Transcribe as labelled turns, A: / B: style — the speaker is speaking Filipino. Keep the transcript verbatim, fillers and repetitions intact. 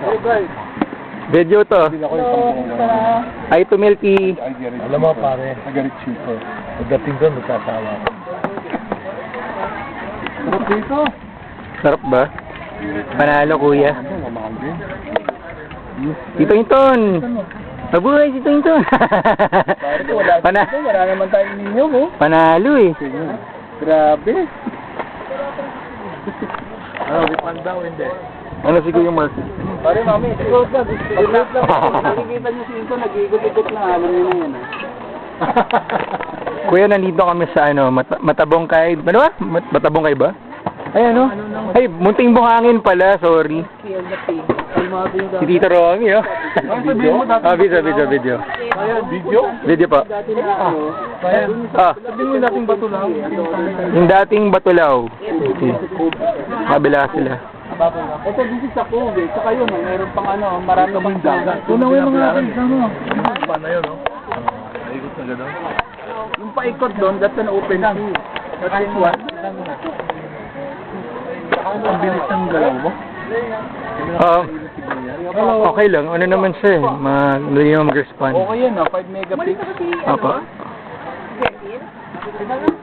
A: Video to. Ay, to Milky.
B: Alam mo pare, agarit cheaper. Pagdating doon, magsasawa ko. Sarap dito.
A: Sarap ba? Panalo, kuya. Tito Inton. Mabuhay si Tito Inton. Pana
B: Wala naman tayong ninyo mo.
A: Panalo eh.
B: Grabe. Ano, wipan daw, hindi.
A: Ano si Kuya Mark?
B: Pare, mami, sigurot lang. Sigurot lang. Nakikita niyo si Inton, nag-iikot-ikot na. Alam niyo na yan.
A: Kuya, nandito kami sa ano, mat matabong kay... Ano ba? Mat matabong kay ba? Ay, ano? Ay, munting buhangin pala, sorry. Si Tito Romy, oh. Ah, video, video, video.
B: Video?
A: Video pa. Ah,
B: Sabihin mo yung dating bato lang.
A: yung dating Batulaw. Okay. Kabila sila.
B: Ito, this is sa Kobe. Saka yun, oh, meron pang ano, marami pang dagat. Una mo yung mga akin, ano? Paano yun, no? Paikot na gano'n? Yung paikot doon, that's an open sea. That's one. Ang bilis ng galaw mo?
A: Ah, okay lang. Ano naman siya eh. Madali naman mag-respond.
B: Okay yan, no? five megapixels.
A: Apa.